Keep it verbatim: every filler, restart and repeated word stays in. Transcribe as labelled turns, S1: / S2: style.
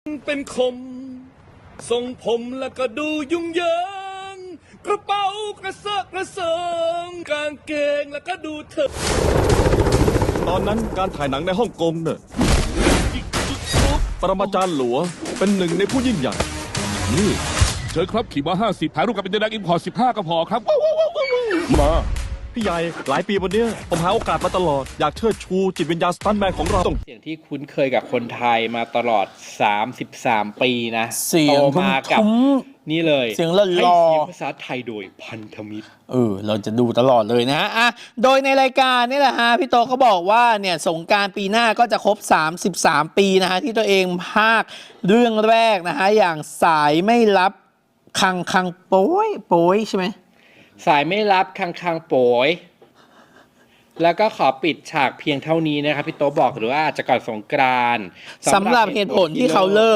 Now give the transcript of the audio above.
S1: เป็นคมทรงผมแล้วก็ดูยุ่งเหยิงกระเป๋ากระเซาะกระเซิงกางเกงแล้วก็ดูเถอะ
S2: ตอนนั้นการถ่ายหนังในฮ่องกงเนี่ยปรมาจารย์หลัวเป็นหนึ่งในผู้ยิ่งใหญ่
S3: นี่เชิญครับขี่มาห้าสิบถ่ายรูปกับเป็นนักอิมพอร์ตสิบห้าก็พอครับว้าวว้าวว้าวว้าวมา
S2: พี่ใหญ่หลายปีวันเนี้ยผมหาโอกาสมาตลอด อยากเชิดชูจิตวิญญาณสตันท์แมนของเราต้อง
S4: เสียงที่คุ้นเคยกับคนไทยมาตลอดสามสิบสามปีนะ
S5: เสียง
S4: โตมากับ
S5: ทุ้ม
S4: นี่เลย
S5: เสียงหล่อๆ
S4: ให้เสียงภาษาไทยโดยพันธมิตร
S5: เออเราจะดูตลอดเลยนะฮะอ่ะโดยในรายการนี่แหละฮะพี่โตก็บอกว่าเนี่ยสงกรานต์ปีหน้าก็จะครบสามสิบสามปีนะฮะที่ตัวเองพากย์เรื่องแรกนะฮะอย่างสายไม่รับคังคังโป้ยโป้ยใช่ไหม
S4: สายไม่รับคังคังโปยแล้วก็ขอปิดฉากเพียงเท่านี้นะครับพี่โตบอกหรือว่าอาจจะก่อนสงกรานต์
S5: สำหรับเหตุผลที่เขาเลิก